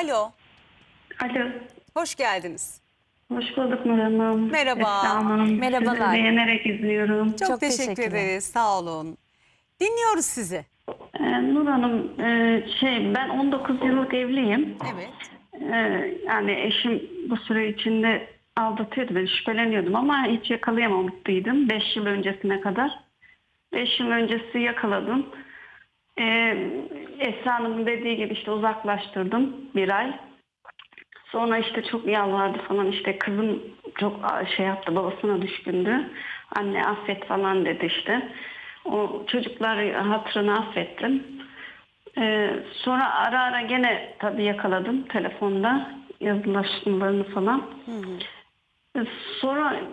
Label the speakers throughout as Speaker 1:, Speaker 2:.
Speaker 1: Alo,
Speaker 2: Alo,
Speaker 1: hoş geldiniz.
Speaker 2: hoş bulduk Nurhan Hanım.
Speaker 1: Merhaba.
Speaker 2: Esra Hanım.
Speaker 3: Merhabalar.
Speaker 2: Sizi beğenerek izliyorum.
Speaker 1: Çok
Speaker 3: Çok
Speaker 1: teşekkür
Speaker 3: teşekkürler.
Speaker 1: ederiz, sağ olun. Dinliyoruz sizi.
Speaker 2: Nur Hanım, ben 19 yıllık evliyim.
Speaker 1: Evet.
Speaker 2: Yani eşim bu süre içinde aldatıyordu, ben şüpheleniyordum ama hiç yakalayamamıştım 5 yıl öncesine kadar. 5 yıl öncesi yakaladım. Esra Hanım'ın dediği gibi işte uzaklaştırdım bir ay. Sonra işte çok yalvardı falan, işte kızım çok şey yaptı, babasına düşkündü. Anne affet falan dedi işte. O çocuklar hatırını affettim. Sonra ara ara gene tabii yakaladım telefonda yazılaşmalarını falan. Sonra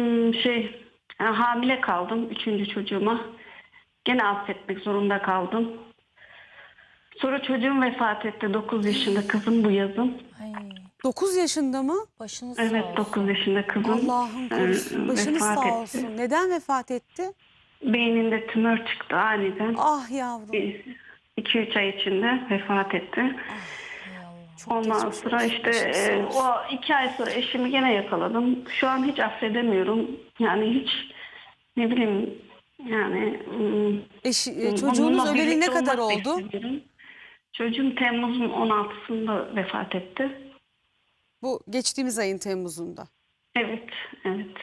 Speaker 2: yani hamile kaldım 3. çocuğuma. Gene affetmek zorunda kaldım. Sonra çocuğum vefat etti, 9 yaşında kızım bu yazın.
Speaker 3: Ay,
Speaker 1: 9 yaşında mı?
Speaker 3: başınız sağ
Speaker 2: Evet,
Speaker 3: olsun.
Speaker 2: 9 yaşında kızım
Speaker 1: Allah'ım korusun. Başınız
Speaker 2: vefat
Speaker 1: sağ
Speaker 2: etti.
Speaker 1: olsun. Neden vefat etti?
Speaker 2: Beyninde tümör çıktı aniden.
Speaker 1: Ah yavrum.
Speaker 2: 2-3 ay içinde vefat etti.
Speaker 3: Hay Allah.
Speaker 1: Çok
Speaker 2: Ondan
Speaker 1: geçmiş
Speaker 2: sonra
Speaker 1: olsun,
Speaker 2: işte
Speaker 1: başınız sağ olsun.
Speaker 2: o 2 ay sonra eşimi gene yakaladım. Şu an hiç affedemiyorum. Yani hiç, ne bileyim, yani
Speaker 1: Çocuğunuz
Speaker 2: onunla
Speaker 1: öleli ne
Speaker 2: birlikte
Speaker 1: kadar
Speaker 2: olmak da
Speaker 1: oldu?
Speaker 2: istemiyorum. Çocuğum Temmuz'un 16'sında vefat etti.
Speaker 1: Bu geçtiğimiz ayın Temmuz'unda.
Speaker 2: Evet, evet.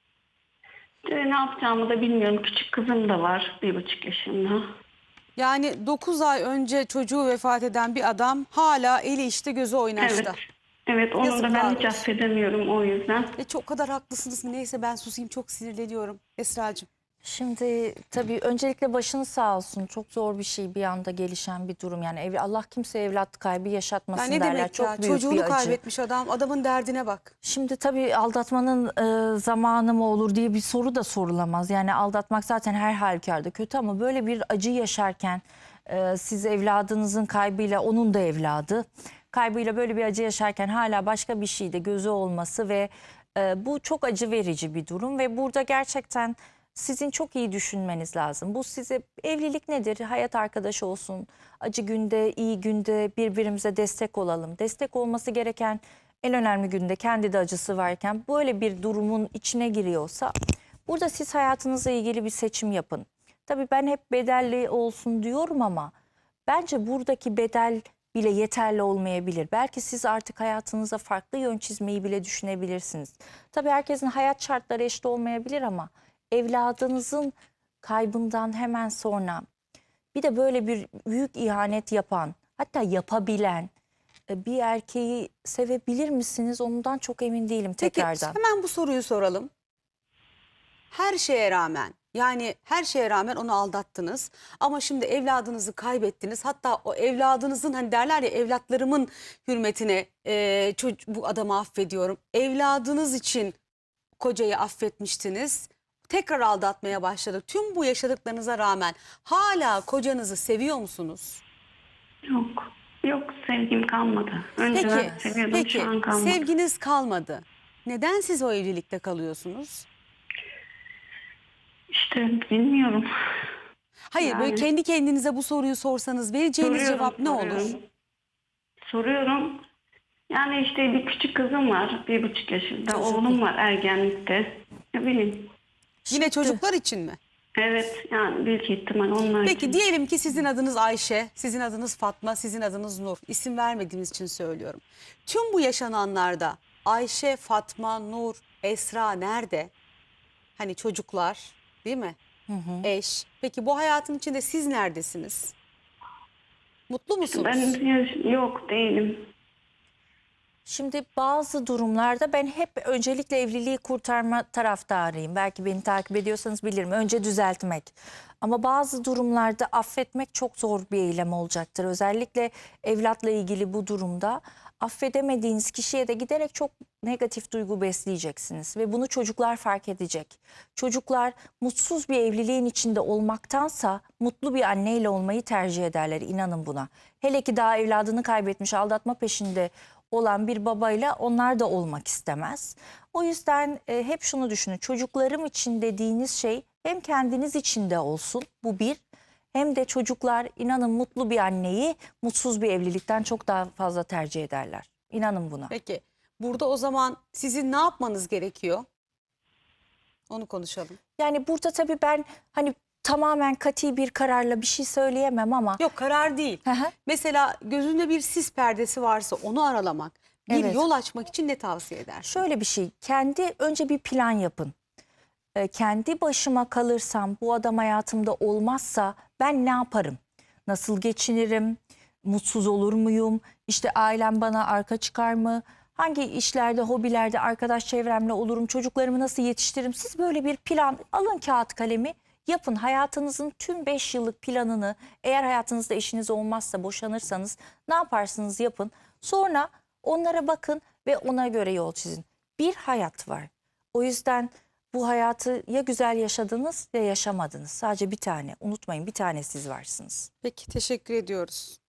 Speaker 2: Ne yapacağımı da bilmiyorum. Küçük kızım da var, 1,5 yaşında.
Speaker 1: Yani 9 ay önce çocuğu vefat eden bir adam hala eli işte gözü oynaşta.
Speaker 2: Evet. Evet, onu da
Speaker 1: Yazıklar
Speaker 2: ben hiç
Speaker 1: olsun.
Speaker 2: affedemiyorum o yüzden.
Speaker 1: Çok kadar haklısınız. Neyse ben susayım, çok sinirleniyorum Esracığım.
Speaker 3: Şimdi tabii öncelikle başınız sağ olsun. Çok zor bir şey, bir anda gelişen bir durum. Yani Allah kimseye evlat kaybı
Speaker 1: Ya
Speaker 3: yaşatmasın
Speaker 1: ne
Speaker 3: derler.
Speaker 1: demek
Speaker 3: Çok
Speaker 1: ya?
Speaker 3: büyük
Speaker 1: Çocuğunu
Speaker 3: bir acı.
Speaker 1: kaybetmiş adam. Adamın derdine bak.
Speaker 3: Şimdi tabii aldatmanın zamanı mı olur diye bir soru da sorulamaz. Yani aldatmak zaten her halükarda kötü ama böyle bir acı yaşarken siz evladınızın kaybıyla, onun da evladı kaybıyla böyle bir acı yaşarken hala başka bir şeyde gözü olması ve bu çok acı verici bir durum ve burada gerçekten sizin çok iyi düşünmeniz lazım. Bu size, evlilik nedir? Hayat arkadaşı olsun. Acı günde, iyi günde birbirimize destek olalım. Destek olması gereken en önemli günde kendi de acısı varken böyle bir durumun içine giriyorsa burada siz hayatınızla ilgili bir seçim yapın. Tabii ben hep bedelli olsun diyorum ama bence buradaki bedel bile yeterli olmayabilir. Belki siz artık hayatınıza farklı yön çizmeyi bile düşünebilirsiniz. Tabii herkesin hayat şartları eşit olmayabilir ama evladınızın kaybından hemen sonra bir de böyle bir büyük ihanet yapan, hatta yapabilen bir erkeği sevebilir misiniz? Ondan çok emin değilim
Speaker 1: Peki
Speaker 3: tekrardan.
Speaker 1: hemen bu soruyu soralım. Her şeye rağmen, yani her şeye rağmen onu aldattınız ama şimdi evladınızı kaybettiniz. Hatta o evladınızın, hani derler ya, evlatlarımın hürmetine bu adamı affediyorum. Evladınız için kocayı affetmiştiniz. Tekrar aldatmaya başladık. Tüm bu yaşadıklarınıza rağmen hala kocanızı seviyor musunuz?
Speaker 2: Yok. Yok, sevgim kalmadı. Önceden
Speaker 1: Peki,
Speaker 2: seviyordum,
Speaker 1: peki
Speaker 2: şu an kalmadı.
Speaker 1: sevginiz kalmadı. Neden siz o evlilikte kalıyorsunuz?
Speaker 2: İşte bilmiyorum.
Speaker 1: Hayır, böyle
Speaker 2: Yani
Speaker 1: kendi kendinize bu soruyu sorsanız vereceğiniz cevap ne olur?
Speaker 2: Soruyorum. Yani işte bir küçük kızım var, 1,5 yaşında.
Speaker 1: Çocuk.
Speaker 2: Oğlum var ergenlikte. Ne bileyim.
Speaker 1: Yine çocuklar için mi?
Speaker 2: Evet, yani büyük ihtimal onlar
Speaker 1: Peki
Speaker 2: için.
Speaker 1: diyelim ki sizin adınız Ayşe, sizin adınız Fatma, sizin adınız Nur. İsim vermediğiniz için söylüyorum. Tüm bu yaşananlarda Ayşe, Fatma, Nur, Esra nerede? Hani çocuklar, değil mi? Eş. Peki bu hayatın içinde siz neredesiniz? Mutlu musunuz?
Speaker 2: Ben yok değilim.
Speaker 3: Şimdi bazı durumlarda ben hep öncelikle evliliği kurtarma taraftarıyım. Belki beni takip ediyorsanız bilirim. Önce düzeltmek. Ama bazı durumlarda affetmek çok zor bir eylem olacaktır. Özellikle evlatla ilgili bu durumda affedemediğiniz kişiye de giderek çok negatif duygu besleyeceksiniz. Ve bunu çocuklar fark edecek. Çocuklar mutsuz bir evliliğin içinde olmaktansa mutlu bir anneyle olmayı tercih ederler. İnanın buna. Hele ki daha evladını kaybetmiş, aldatma peşinde olan bir babayla onlar da olmak istemez. O yüzden hep şunu düşünün. Çocuklarım için dediğiniz şey hem kendiniz için de olsun, bu bir, hem de çocuklar inanın mutlu bir anneyi mutsuz bir evlilikten çok daha fazla tercih ederler. İnanın buna.
Speaker 1: Peki burada o zaman sizin ne yapmanız gerekiyor? Onu konuşalım.
Speaker 3: Yani burada tabii ben hani tamamen kati bir kararla bir şey söyleyemem ama
Speaker 1: Yok, karar değil.
Speaker 3: Hı hı.
Speaker 1: Mesela gözünde bir sis perdesi varsa onu aralamak, bir
Speaker 3: Evet.
Speaker 1: yol açmak için ne tavsiye edersin?
Speaker 3: şöyle bir şey, önce bir plan yapın. Kendi başıma kalırsam, bu adam hayatımda olmazsa ben ne yaparım? Nasıl geçinirim? Mutsuz olur muyum? İşte ailem bana arka çıkar mı? Hangi işlerde, hobilerde arkadaş çevremle olurum? Çocuklarımı nasıl yetiştiririm? Siz böyle bir plan alın, kağıt kalemi yapın. Hayatınızın tüm 5 yıllık planını, eğer hayatınızda eşiniz olmazsa, boşanırsanız ne yaparsınız yapın. Sonra onlara bakın ve ona göre yol çizin. Bir hayat var. O yüzden bu hayatı ya güzel yaşadınız ya yaşamadınız. Sadece bir tane. Unutmayın, bir tane siz varsınız.
Speaker 1: Peki, teşekkür ediyoruz.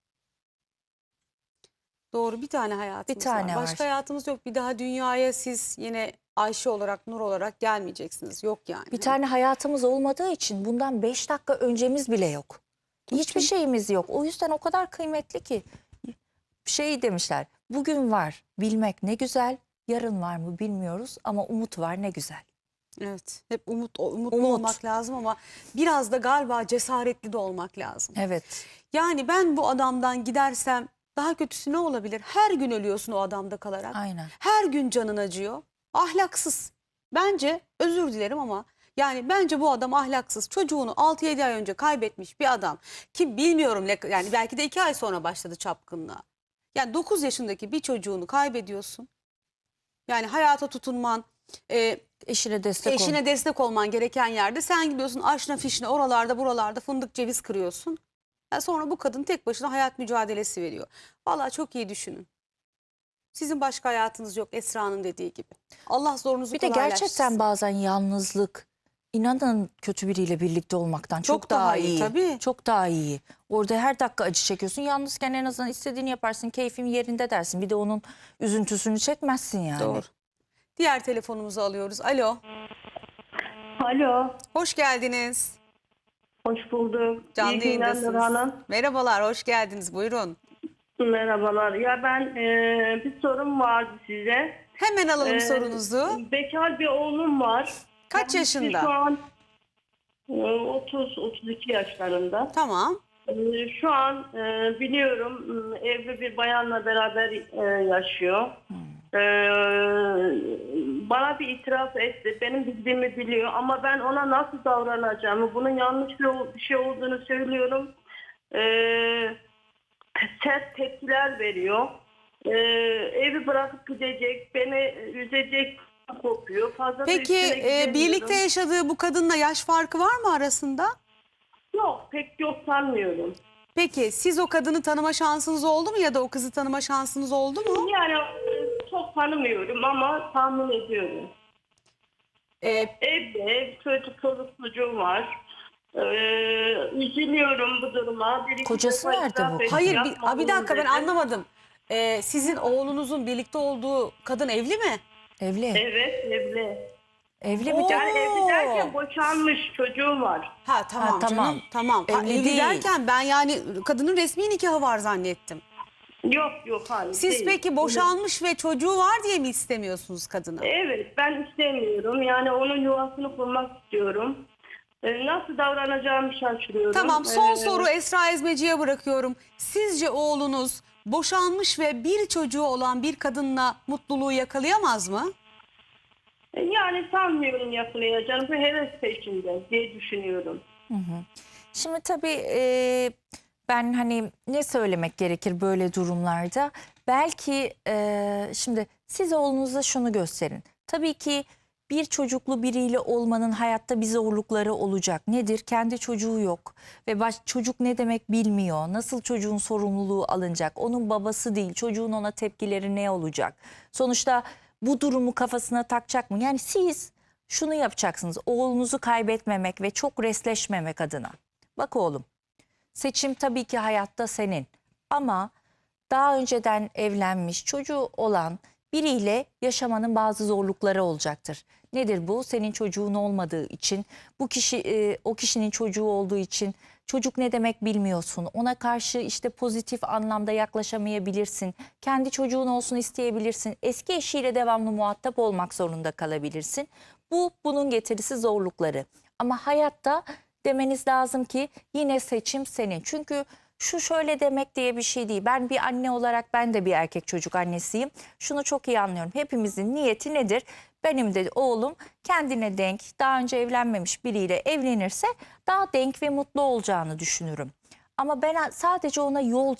Speaker 1: Doğru, bir tane hayatımız
Speaker 3: Bir tane
Speaker 1: var. Başka
Speaker 3: var.
Speaker 1: hayatımız yok. Bir daha dünyaya siz yine Ayşe olarak, Nur olarak gelmeyeceksiniz. Yok yani.
Speaker 3: Bir tane hayatımız olmadığı için bundan 5 dakika öncemiz bile yok. Hiçbir şeyimiz yok. O yüzden o kadar kıymetli ki. Şey demişler, bugün var bilmek ne güzel, yarın var mı bilmiyoruz ama umut var ne güzel.
Speaker 1: Evet. Hep umutlu
Speaker 3: Umut.
Speaker 1: olmak lazım ama biraz da galiba cesaretli de olmak lazım.
Speaker 3: Evet.
Speaker 1: Yani ben bu adamdan gidersem daha kötüsü ne olabilir? Her gün ölüyorsun o adamda kalarak.
Speaker 3: Aynen.
Speaker 1: Her gün canın acıyor. Ahlaksız. Bence, özür dilerim ama yani bence bu adam ahlaksız. Çocuğunu 6-7 ay önce kaybetmiş bir adam. Ki bilmiyorum yani belki de 2 ay sonra başladı çapkınlığa. Yani 9 yaşındaki bir çocuğunu kaybediyorsun. Yani hayata tutunman,
Speaker 3: Eşine destek olun.
Speaker 1: eşine destek olman gereken yerde sen gidiyorsun aşna fişne oralarda buralarda fındık ceviz kırıyorsun. Sonra bu kadın tek başına hayat mücadelesi veriyor. Vallahi çok iyi düşünün. Sizin başka hayatınız yok, Esra'nın dediği gibi. Allah zorunuzu
Speaker 3: Bir de
Speaker 1: kolaylaştırsın.
Speaker 3: gerçekten bazen yalnızlık, inanın kötü biriyle birlikte olmaktan çok daha iyi.
Speaker 1: Tabii.
Speaker 3: Çok daha iyi. Orada her dakika acı çekiyorsun. Yalnızken en azından istediğini yaparsın, keyfim yerinde dersin. Bir de onun üzüntüsünü çekmezsin yani.
Speaker 1: Doğru. Diğer telefonumuzu alıyoruz. Alo.
Speaker 2: Alo,
Speaker 1: Hoş geldiniz.
Speaker 2: hoş bulduk.
Speaker 1: Canlı
Speaker 2: İyi günler
Speaker 1: yayındasınız.
Speaker 2: Nur Hanım.
Speaker 1: Merhabalar, hoş geldiniz. Buyurun.
Speaker 2: Merhabalar. Ya ben bir sorum vardı size.
Speaker 1: Hemen alalım sorunuzu.
Speaker 2: Bekar bir oğlum var.
Speaker 1: Kaç
Speaker 2: Kendisi
Speaker 1: yaşında?
Speaker 2: Şu an 30-32 yaşlarında.
Speaker 1: Tamam.
Speaker 2: Şu an biliyorum evli bir bayanla beraber yaşıyor. Bana bir itiraf etti. Benim bildiğimi biliyor ama ben ona nasıl davranacağımı, bunun yanlış bir şey olduğunu söylüyorum. Sert tepkiler veriyor. Evi bırakıp gidecek, beni üzecek, kopuyor. Fazla da
Speaker 1: Peki
Speaker 2: üstüne gidemiyorum.
Speaker 1: birlikte yaşadığı bu kadınla yaş farkı var mı arasında?
Speaker 2: Yok, pek yok sanmıyorum.
Speaker 1: Peki siz o kadını tanıma şansınız oldu mu ya da o kızı tanıma şansınız oldu mu?
Speaker 2: Yani çok tanımıyorum ama tahmin ediyorum.
Speaker 1: E,
Speaker 2: Evde çocuk çocuğum var. Üzülüyorum bu duruma. Bir iki
Speaker 3: Kocası
Speaker 2: defa
Speaker 3: nerede
Speaker 2: itiraf
Speaker 3: bu?
Speaker 2: ettim,
Speaker 1: hayır
Speaker 2: yapma
Speaker 1: bir dakika
Speaker 2: bunu
Speaker 1: ben
Speaker 2: dedi.
Speaker 1: anlamadım. Sizin oğlunuzun birlikte olduğu kadın evli mi?
Speaker 3: Evli.
Speaker 2: Evet, evli.
Speaker 3: Evli mi?
Speaker 1: Oo.
Speaker 2: Yani evli derken boşanmış, çocuğu var.
Speaker 1: Ha tamam,
Speaker 3: Ha, tamam.
Speaker 1: canım tamam.
Speaker 3: Evli
Speaker 1: Evli
Speaker 3: değil.
Speaker 1: derken ben yani kadının resmi nikahı var zannettim.
Speaker 2: Yok, hayır.
Speaker 1: Siz
Speaker 2: değil.
Speaker 1: peki boşanmış ve çocuğu var diye mi istemiyorsunuz kadını?
Speaker 2: Evet, ben istemiyorum. Yani onun yuvasını kurmak istiyorum. Nasıl davranacağımı şaşırıyorum.
Speaker 1: Tamam, son soru Esra Ezmeci'ye bırakıyorum. Sizce oğlunuz boşanmış ve bir çocuğu olan bir kadınla mutluluğu yakalayamaz mı?
Speaker 2: Yani sanmıyorum yakalayacağım. Bu heves peşinde diye düşünüyorum.
Speaker 3: Şimdi tabii ben hani ne söylemek gerekir böyle durumlarda? Belki şimdi siz oğlunuza şunu gösterin. Tabii ki bir çocuklu biriyle olmanın hayatta bir zorlukları olacak. Nedir? Kendi çocuğu yok ve çocuk ne demek bilmiyor. Nasıl çocuğun sorumluluğu alınacak? Onun babası değil. Çocuğun ona tepkileri ne olacak? Sonuçta bu durumu kafasına takacak mı? Yani siz şunu yapacaksınız. Oğlunuzu kaybetmemek ve çok resleşmemek adına. Bak oğlum, seçim tabii ki hayatta senin ama daha önceden evlenmiş, çocuğu olan biriyle yaşamanın bazı zorlukları olacaktır. Nedir bu? Senin çocuğun olmadığı için, bu kişi o kişinin çocuğu olduğu için Çocuk ne demek bilmiyorsun. Ona karşı işte pozitif anlamda yaklaşamayabilirsin. Kendi çocuğun olsun isteyebilirsin. Eski eşiyle devamlı muhatap olmak zorunda kalabilirsin. Bunun getirisi zorlukları. Ama hayatta demeniz lazım ki yine seçim senin. Çünkü şu şöyle demek diye bir şey değil. Ben bir anne olarak ben de bir erkek çocuk annesiyim. Şunu çok iyi anlıyorum. Hepimizin niyeti nedir? Benim de oğlum kendine denk, daha önce evlenmemiş biriyle evlenirse daha denk ve mutlu olacağını düşünürüm. Ama ben sadece ona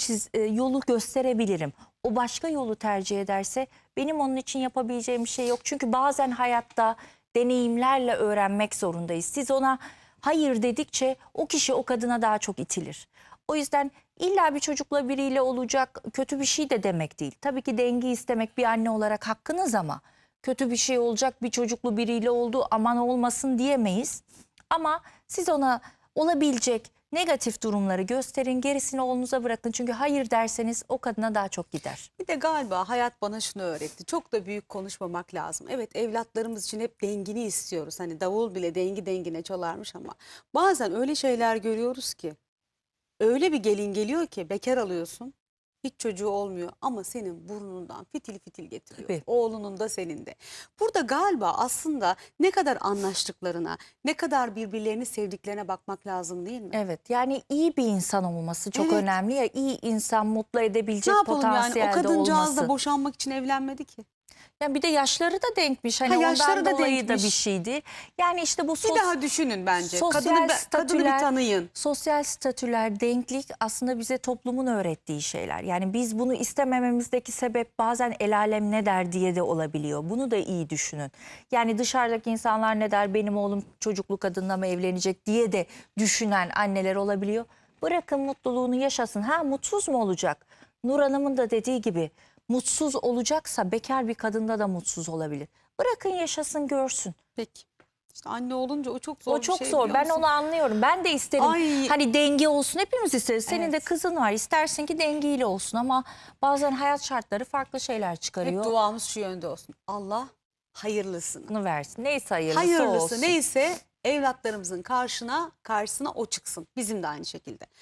Speaker 3: yolu gösterebilirim. O başka yolu tercih ederse benim onun için yapabileceğim bir şey yok. Çünkü bazen hayatta deneyimlerle öğrenmek zorundayız. Siz ona hayır dedikçe o kişi o kadına daha çok itilir. O yüzden illa bir çocukla biriyle olacak kötü bir şey de demek değil. Tabii ki dengi istemek bir anne olarak hakkınız ama kötü bir şey olacak bir çocuklu biriyle oldu aman olmasın diyemeyiz. Ama siz ona olabilecek negatif durumları gösterin, gerisini oğlunuza bırakın. Çünkü hayır derseniz o kadına daha çok gider.
Speaker 1: Bir de galiba hayat bana şunu öğretti. Çok da büyük konuşmamak lazım. Evet, evlatlarımız için hep dengini istiyoruz. Hani davul bile dengi dengine çalarmış ama bazen öyle şeyler görüyoruz ki öyle bir gelin geliyor ki bekar alıyorsun. Hiç çocuğu olmuyor ama senin burnundan fitil fitil getiriyor.
Speaker 3: Tabii.
Speaker 1: Oğlunun da senin de. Burada galiba aslında ne kadar anlaştıklarına, ne kadar birbirlerini sevdiklerine bakmak lazım değil mi?
Speaker 3: Evet, yani iyi bir insan olması çok
Speaker 1: Evet.
Speaker 3: önemli ya, iyi insan mutlu
Speaker 1: Ne
Speaker 3: edebilecek
Speaker 1: yapalım yani, o
Speaker 3: potansiyelde
Speaker 1: kadıncağız
Speaker 3: olması.
Speaker 1: da boşanmak için evlenmedi ki.
Speaker 3: Yani bir de yaşları da denkmiş. Hani
Speaker 1: yaşları
Speaker 3: ondan
Speaker 1: da
Speaker 3: dolayı da
Speaker 1: denkmiş.
Speaker 3: bir şeydi. Yani işte bu
Speaker 1: Bir daha düşünün bence.
Speaker 3: sosyal
Speaker 1: Kadını bir
Speaker 3: statüler,
Speaker 1: tanıyın.
Speaker 3: sosyal statüler, denklik aslında bize toplumun öğrettiği şeyler. Yani biz bunu istemememizdeki sebep bazen el alem ne der diye de olabiliyor. Bunu da iyi düşünün. Yani dışarıdaki insanlar ne der, benim oğlum çocuklu kadınla mı evlenecek diye de düşünen anneler olabiliyor. Bırakın mutluluğunu yaşasın. Ha, mutsuz mu olacak? Nur Hanım'ın da dediği gibi mutsuz olacaksa bekar bir kadında da mutsuz olabilir. Bırakın yaşasın, görsün.
Speaker 1: Peki. İşte anne olunca o çok zor
Speaker 3: O
Speaker 1: bir
Speaker 3: çok
Speaker 1: şey,
Speaker 3: zor.
Speaker 1: biliyor
Speaker 3: Ben
Speaker 1: musun?
Speaker 3: onu anlıyorum. Ben de isterim.
Speaker 1: Ay.
Speaker 3: Hani denge olsun. Hepimiz isteriz. Senin de
Speaker 1: Evet.
Speaker 3: kızın var. İstersin ki dengeyle olsun ama bazen hayat şartları farklı şeyler çıkarıyor.
Speaker 1: Hep duamız şu yönde olsun. Allah hayırlısını.
Speaker 3: Bunu versin. Neyse hayırlısı,
Speaker 1: Hayırlısı
Speaker 3: olsun.
Speaker 1: neyse evlatlarımızın karşısına o çıksın. Bizim de aynı şekilde.